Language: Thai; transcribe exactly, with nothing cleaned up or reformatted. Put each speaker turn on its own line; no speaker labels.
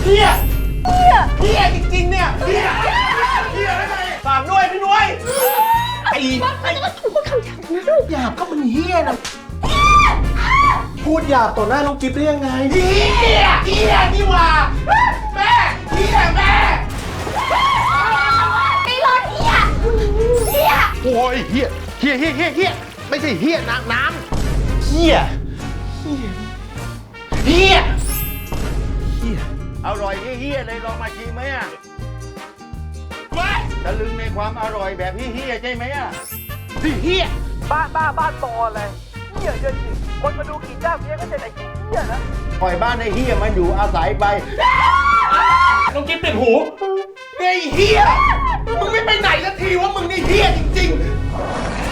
เฮียเฮียเฮียจริงๆเนี่ยเฮียเฮียอะไรฝากด้วยพี่นุ้ยไอ้ไอ้พูดคำหยาบนะลูกหยาบก็มันเฮียนะพูดหยาบต่อหน้าน้องกิ๊บได้ยังไงเฮียเฮียนี่หว่าแม่เฮียแม่
ไอ้รถเฮียเฮีย
โอ้ยเฮียเฮียเฮียเฮียเฮียไม่ใช่เฮียน้ำน้ำ
เฮียเฮียเฮียเฮีย
อร่อยเฮียเลยลองมาชิมไหมอ่ะ
ไม่
ตะลึงในความอร่อยแบบเฮียใช่ไหมอ่ะ
เฮีย
บ้านบ้าบ้านบออะไรเหี้ยเยอะจริงคนมาดูกี่เจ้าเนี้ยก็จะไอ้เหี้ยนะ
ปล่อยบ้านในเฮียมันอยู่อาศัยไป
น้องกิ๊บติดหูไอ้เฮียมึงไม่ไปไหนสักทีว่ามึงนี่เฮียจริงๆ